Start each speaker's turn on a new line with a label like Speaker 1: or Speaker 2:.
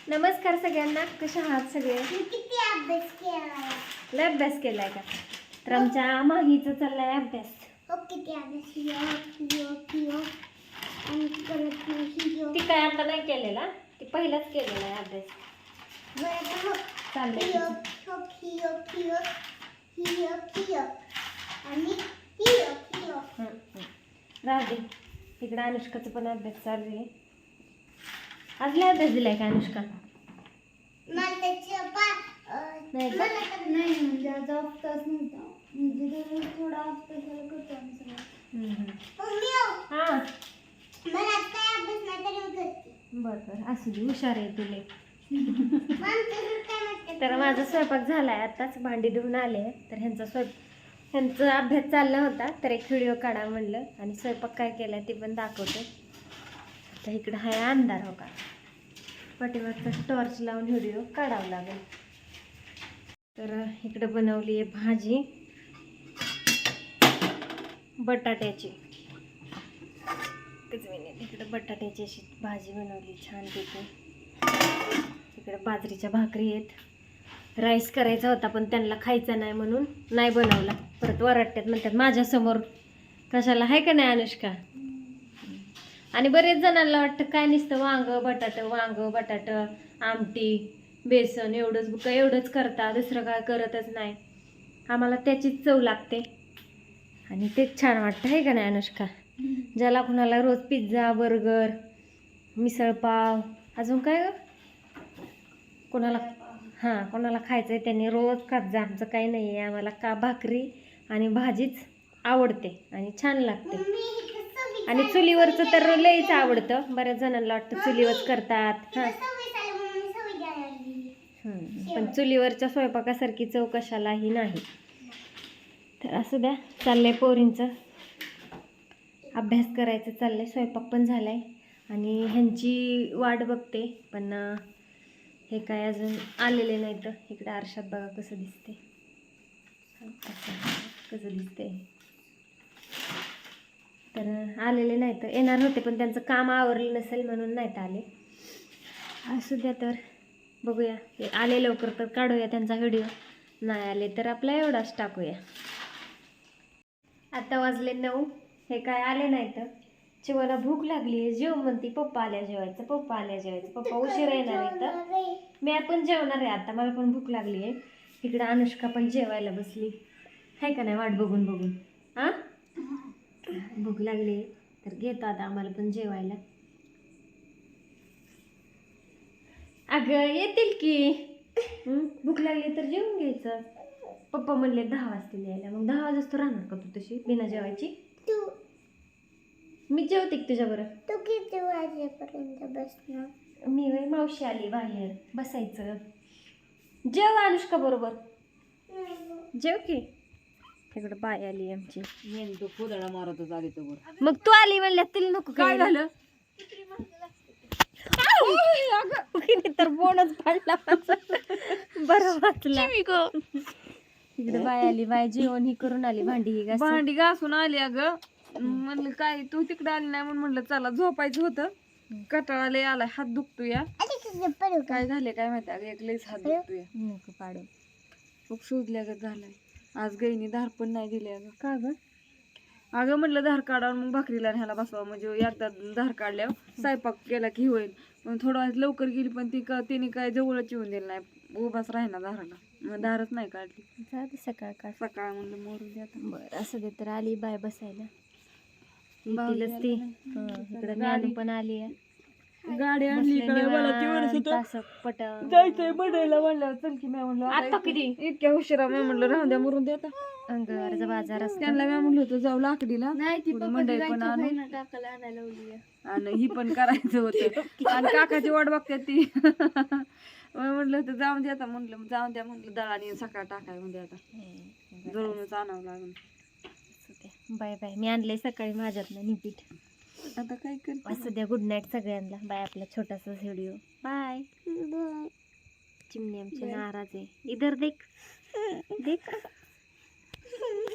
Speaker 1: नमस्कार सगळ्यांना, कशा आहात सगळे?
Speaker 2: किती अभ्यास केलाय?
Speaker 1: लय अभ्यास केलाय का? तर आमच्या माहीचा चाललाय अभ्यास.
Speaker 2: हो किती अभ्यास यो आणि परत यो.
Speaker 1: ती काय आता नाही केलेला, ती पहिलाच केलेला आहे अभ्यास.
Speaker 2: बरं
Speaker 1: चाललंय
Speaker 2: यो आणि यो.
Speaker 1: राहू दे. इकडे अनुष्काचा पण अभ्यास चालू आहे. आज लय अभ्यास दिलाय का अनुष्का?
Speaker 2: मला त्याची
Speaker 1: नाही का?
Speaker 2: नाही म्हणजे आज अभ्यास नव्हता. म्हणजे थोडा अभ्यास करतो आम्ही सगळं.
Speaker 1: हा
Speaker 2: मला आज काय अभ्यास नाही तरी करते.
Speaker 1: बरं असू दे, हुशार आहे तुले.
Speaker 2: काय
Speaker 1: तर माझा स्वयंपाक झालाय, आताच भांडी धुवून आले. तर ह्यांचा अभ्यास चालला होता, तर एक व्हिडिओ काढा म्हणलं आणि स्वयंपाक काय केलाय ते पण दाखवते. तर इकडं हाय अंधार हो का, पाठीवरचा टॉर्च लावून व्हिडिओ काढावा लागेल. तर इकडं बनवली आहे भाजी बटाट्याची. इकडं बटाट्याची अशी भाजी बनवली छान पैकी. इकडे बाजरीच्या भाकरी आहेत. राईस करायचा होता पण त्यांना खायचा नाही म्हणून नाही बनवला. परत वरटतात म्हणतात माझ्यासमोर कशाला, आहे का नाही अनुष्का? आणि बरेच जणांना वाटतं काय नुसतं वांग बटाट आमटी बेसन एवढंच करता, दुसरं काय करतच नाही. आम्हाला त्याचीच चव लागते आणि तेच छान वाटतं, आहे का नाही अनुष्का? ज्याला कुणाला रोज पिझ्झा बर्गर मिसळपाव अजून काय कोणाला खायचं आहे त्यांनी रोज खात जा. आमचं काही नाही आहे, आम्हाला का भाकरी आणि भाजीच आवडते आणि छान लागते. आणि चुलीवरचं तर लईच आवडतं. बऱ्याच जणांना वाटतं चुलीवरच करतात. हां पण चुलीवरच्या स्वयंपाकासारखी चव कशालाही नाही. तर असू द्या, चाललंय पोरींचं अभ्यास करायचं चाललंय. स्वयंपाक पण झालाय आणि ह्यांची वाट बघते, पण हे काय अजून आलेले नाही. तर इकडे आरशात बघा कसं दिसते, तर आलेले नाही. तर येणार होते पण त्यांचं काम आवरलं नसेल म्हणून नाहीत आले. असू द्या, तर बघूया. हे आले लवकर तर काढूया त्यांचा व्हिडिओ, नाही आले तर आपला एवढाच टाकूया. आता वाजले 9. हे काय आले नाही. तर चिवाला भूक लागली आहे, जेव म्हणती. पप्पा आल्या जेवायचं. पप्पा उशीर येणार आहे. तर मी पण जेवणार आहे आता, मला पण भूक लागली आहे. इकडे अनुष्का पण जेवायला बसली, आहे का नाही? वाट बघून हां भूक लागली तर घेतो आता आम्हाला पण जेवायला. अगं येतील की, भूक लागली तर जेवून घ्यायचं. पप्पा म्हणले 10 वाजता यायला, मग 10 वाजता राहणार का तू तशी बिना जेवायची? मी जेवते तुझ्याबरोबर.
Speaker 2: तू किती वाजेपर्यंत बसणार?
Speaker 1: मी मावशी आली बाहेर बसायचं. जेव अनुष्का बरोबर, जेव की. इकडं बाय आली आमची.
Speaker 3: तू कुदळा मारतच आली तर
Speaker 1: मग तू आली म्हणल्यात तिला नको काय झालं? तर बोनच पडला बरं वाचला. इकडे बाय आली, बाय जेवण ही करून आली, भांडी
Speaker 3: घासून आली. अगं म्हणलं काय तू तिकडे आली नाही म्हणून म्हणलं चला झोपायचं होतं. कटाळा लय आलाय, हात दुखतोय. काय झाले काय माहिती, अगं एक लईच हात दुखतोय.
Speaker 1: नको पाडू.
Speaker 3: खूप सुजल्यागत झालाय. आज गईनी धार पण नाही दिली. अगं
Speaker 1: का ग?
Speaker 3: अगं म्हटलं धार काढावं मग भाकरीला ह्याला बसवावं, म्हणजे एकदा धार काढल्यावर स्वयंपाक केला की होईल. पण थोडं वेळ लवकर गेली पण तिने काय जवळच येऊन दिलं नाही, उभाच राहिना धाराला. मग धारच नाही काढली. सकाळ म्हणलं मोरू दे आता.
Speaker 1: बरं असं दे. तर आली बाय बसायला.
Speaker 3: भाऊजी
Speaker 1: येतीलच ती. इकडे ज्ञानू पण आली आहे.
Speaker 3: गाडी आणली काय मला ती म्हणत होतं जायचंय बनायला म्हणलं चल की. मी म्हणलं
Speaker 1: आता किती
Speaker 3: इतक्या उशिरा. मी म्हणलं राहून द्या मरून द्या आता.
Speaker 1: अंगावरचा बाजार असतो.
Speaker 3: त्यांना मी म्हणलं होतं जाऊ लाकडीला, मंडई पण आणू आणि ही पण करायचं होतं. आणि काकाची वाट बघतात ती. म्हणलं होतं जाऊन द्या आता. म्हणलं जाऊन द्या म्हणलं, दळाने सकाळ टाकाय म्हणजे आता जळूनच आणावं लागेल.
Speaker 1: Bye bye. मी आणलंय सकाळी माझ्यातनं निपीठ.
Speaker 3: आता काय करते.
Speaker 1: असं द्या. गुड नाईट सगळ्यांना. बाय. आपला छोटासा व्हिडिओ. बाय. चिमणी आमची नाराज आहे. इधर देख.